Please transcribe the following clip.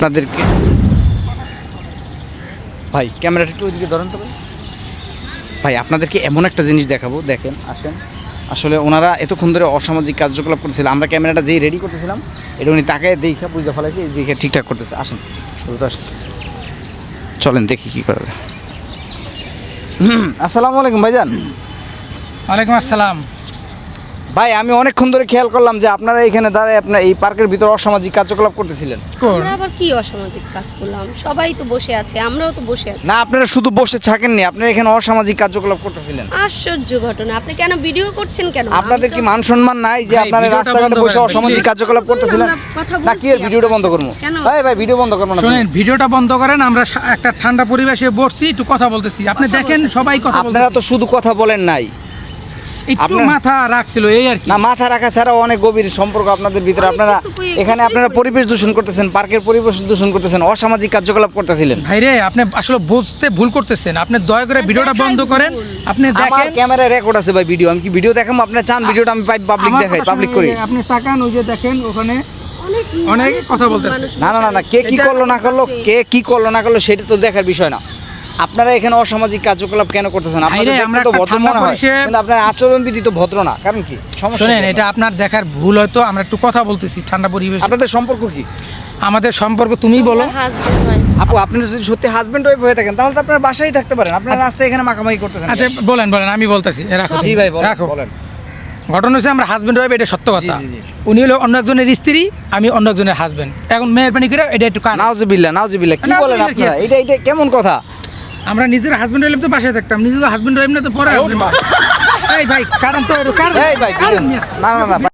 আপনাদেরকে ভাই ক্যামেরাটা একটু ওইদিকে ধরেন তো ভাই আপনাদেরকে এমন একটা জিনিস দেখাবো, দেখেন আসেন। আসলে ওনারা এতক্ষণ ধরে অসামাজিক কার্যকলাপ করতেছিল, আমরা ক্যামেরাটা যেই রেডি করতেছিলাম এটা উনি তাকায় দেখে বুঝতে ফেলাইছি, দেখে ঠিকঠাক করতেছে। আসেন তো আসেন, চলেন দেখি কী করা যায়। আসসালামু আলাইকুম ভাইজান। ওয়ালাইকুম আসসালাম। ভাই আমি অনেকক্ষণ ধরে খেয়াল করলাম যে আপনারা এখানে দাঁড়ায় আপনার এই পার্কের ভিতরে অসামাজিক কার্যকলাপ করতেছিলেন। আমরা আবার কি অসামাজিক কাজ করলাম? সবাই তো বসে আছে, আমরাও তো বসে আছি। না আপনারা শুধু বসে থাকেননি, আপনারা এখানে অসামাজিক কার্যকলাপ করতেছিলেন। আশ্চর্য ঘটনা, আপনি কেন ভিডিও করছেন কেন? আপনাদের কি মান সম্মান নাই যে ভাই, আপনারা ভিডিওটা রাস্তাঘাটে বন্ধ বসে করেন, অসামাজিক please। কার্যকলাপ করতেছিলেন? আমরা কথা না কি এর বলছি ভিডিওটা বন্ধ আপনার করবো? সাথে। কেন? ভাই ভিডিও বন্ধ করবো না। শুনেন, ভিডিওটা বন্ধ করেন। আমরা একটা ঠান্ডা পরিবেশে বসছি, একটু কথা বলতেছি। আপনি কথা দেখেন বলতেছি। সবাই কথা আপনারা তো বলতেছে। শুধু কথা বলেন নাই, একটু আপনারা- মাথা রাখছিল এই আর কি। না মাথা রাখা ছাড়াও অনেক গভীর সম্পর্ক আপনাদের ভিতরে। অনেক আপনারা কিছু এখানে আপনারা পরিবেশ দূষণ করতেছেন, পার্কের পরিবেশ দূষণ করতেছেন, অসামাজিক কার্যকলাপ করতেছিলেন। ভাইরে, আপনি আসলে বুঝতে ভুল করতেছেন। আপনি দয়া করে ভিডিওটা দেখাই বন্ধ করেন। ভুল। আপনি আমার দেখেন ক্যামেরায় রেকর্ড আছে ভাই ভিডিও, আমি কি ভিডিও দেখাবো? আপনারা চান ভিডিওটা আমি পাবলিক আমার দেখাই, কথা পাবলিক শুনে করি? আপনি তাকান, ওই যে দেখেন ওখানে অনেক অনেক কথা বলতেছে। মানুষ না না না না, কে কি এটা- করলো না করলো, কে কি করলো না করলো সেটা তো দেখার বিষয় না। আপনারা এখানে অসামাজিক কার্যকলাপ কেন করতেছেন? আপনাদের ভাইরে, দেখতে আমরা তো একটা ভদ্র ঠান্ডা মনে হয়, পরিবেশে- কিন্তু আপনার আচরণবিধি তো ভদ্র না। কারণ কি সমস্যা? শোনেন, কি এটা আপনার দেখার ভুল হয়তো। আমরা একটু কথা বলতেছি ঠান্ডা পরিবেশ। আপনাদের সম্পর্ক কি? আমাদের সম্পর্ক তুমি বলো। Husband wife. আপু আপনি যদি সত্যি হাজবেন্ড ওয়াইফ হয়ে থাকেন তাহলে তো আপনার বাসায় থাকতে পারেন, আপনার রাস্তায় এখানে মাখামাখি করতেছেন। আচ্ছা বলেন বলেন, আমি বলতেছি। রাখো জি ভাই বলেন, রাখো। বলেন। ঘটনা হচ্ছে আমরা হাজবেন্ড ওয়াইফ, এটা সত্য কথা। জি, জি, জি। উনি হলো অন্য একজনের স্ত্রী, আমি অন্য একজনের হাজবেন্ড। এখন মেহরবানি করে এটা একটু কান। নাউজুবিল্লাহ নাউজুবিল্লাহ, কি বলেন নাউজুবিল্লাহ কি আপনারা? আছে? এটা কেমন কথা? আমরা নিজের হাজবেন্ড ওয়াইফ তো বাসায় থাকতাম, নিজের হাজবেন্ড ওয়াইফ না তো পরে। এই ভাই কারণ তো এই ভাই না না না